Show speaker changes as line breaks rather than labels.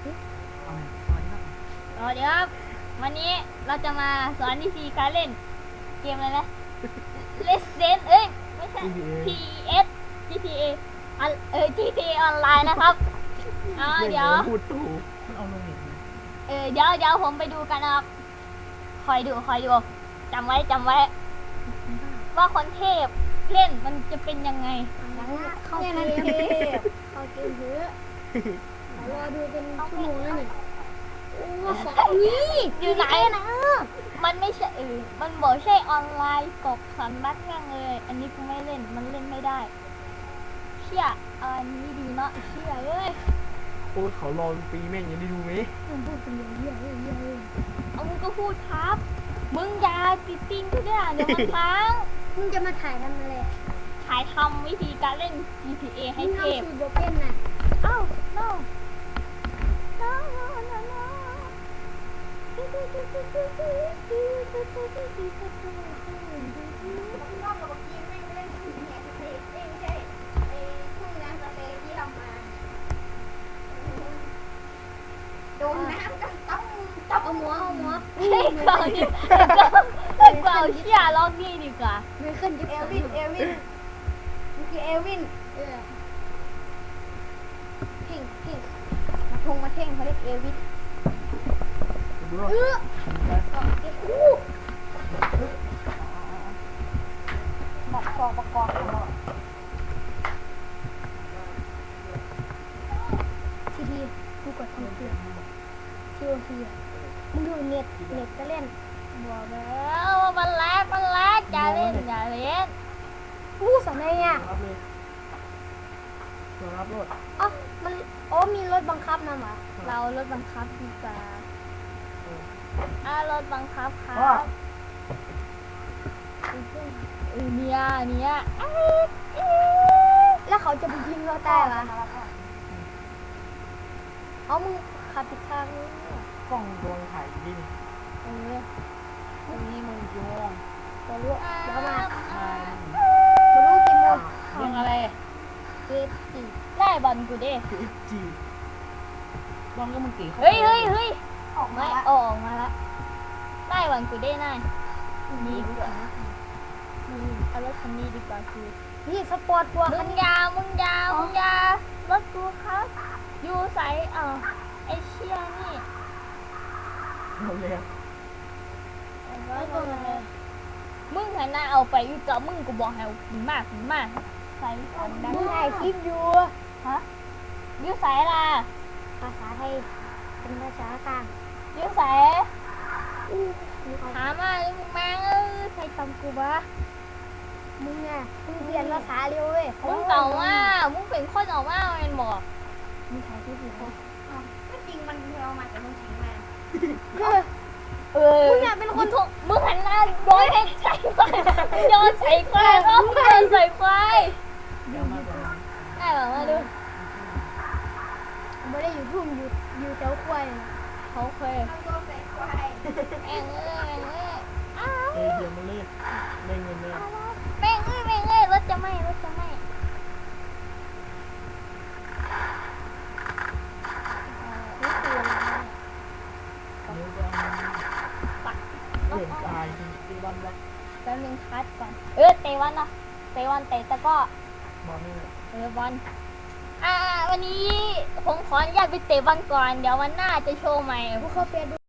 เอาไงสวัสดีครับ
สวัสดีครับวันนี้เราจะมาสอนวิธีการเล่นเกมอะไรนะ Resident ไม่ใช่ PES GTA GTA ออนไลน์นะครับเดี๋ยว
พูดถูกมันเอาลงเน็ตไหม
เดี๋ยวผมไปดูกันนะครับคอยดูจำไว้ว่าคนเทพเล่นมันจะเป็นยังไง
เข้าเกมเข้าเกมเถอะรอดูเป็นชั่วโมงแล้วนี่โอ้ของนี้
อยู่ไหนนะมันไม่ใช่มันบอกใช่ออนไลน์กบสันบักแห้งเลยอันนี้กูไม่เล่นมันเล่นไม่ได้เชี่ยอันนี้ดีเนาะเชี่ยเอ้ย
โอ้เขารอปีแม่งยังได้ดูไหม
ผมพูดเป็นอย่างเงี้ย
เอามึงก็พูดครับมึงอย่าติดติ้งก็ได้เดี๋ยวมันค้าง
มึงจะมาถ่ายทำอะไร
ถ่ายทำวิธีการเล่น GTA ให้เทพ
สูตรโบเป็นน่ะ
อ้าว no
โดนน้ำต้องเอาหมอ
เฮ้ยกว่าเชี่ยล็อกนี่ดีกว่า
ไม่ขึ้นจะเอวินมันคือเอวินเพ่งมาเท่งเขาเรียกเอวิน
ดูรถ
ประกอบ
ทีกูกดทำเพื่อนทีโอทีมึงดูเน็ตก็เล่น
บอกแล้วว่ามันแลกอย่าเล่น
อู้สมัยเนี่ย
รับเลยตัวรับรถ
มีรถบังคับนะหมา
เรารถบังคับดีกว่ารถบังคับครั
ว่า
บเนี่ย
แล้วเขาจะไปยิงเราตายเหรอเอามึงขับผิดทางนี่
กล้องโดนถ่ายดิน
นี่มึงโยง
จะรู้เดี๋ยวมา
ถ่าย
จะรู้กี่โมง
เรื่องอะไร
เกตสี่
ไล่บอลกูดิ
คือ FG บอลก็มึงตีเข้า
เฮ้ยออกมาละไล่บอลกูดินายนี่ดีกว่าเอารถคันนี้ดีกว่าคือ
นี่สปอร์ตพวก
มึ
คัน
ง
นี้
ยารถกูครับอยู่ใส่ไอเชียนี่
เอาเลย
มึงหันหน้าเอาไปอยู่กับมึงกูบอกให้เอาขึ้นมากใส่ฟันดัง
มึงถ่ายคลิปอยู่
ฮะอยู่ใส่ล่ะ
ภาษาไทยเป็นภาษากลาง
อยู่ใส่
มึง
ถามมาเลยมึงแม่งใส่ตำกูวะ
มึงเรียนภาษาเร็วเว้ย
มึงเก่าว่ามึงเป็นคนออกมาเป็นบอก
มึงถ่ายคลิปอยู่เขา
ก็จริงมันเอามาแต่มันทิ้งมา
มึงเป็นคน
มึงหันหน้าโดนให้ใส่ควายโยนใส่ควายโยนใส่ควาย
เดี๋ยวมาก่อน
ได้แบบมาดู
ไม่ได้อยู่ทุ่งอยู่แถวควาย
เขาเคย
เอาตัวใส่ควาย
แม่งอ้าว
เดี๋ยวมาเลยได้เงินเลย
แม่งรถจะไหม้
เดี๋ยวจะเล่นตายที่บ้านรัก
แป๊บนึงคัดก่อนเตะวันเตะตะก็
บอลนี่
บอลวันนี้ผมขออนุญาตไปเตะบอลก่อนเดี๋ยววันหน้าจะโชว์ใหม่
พวกเขาเปลี่ยน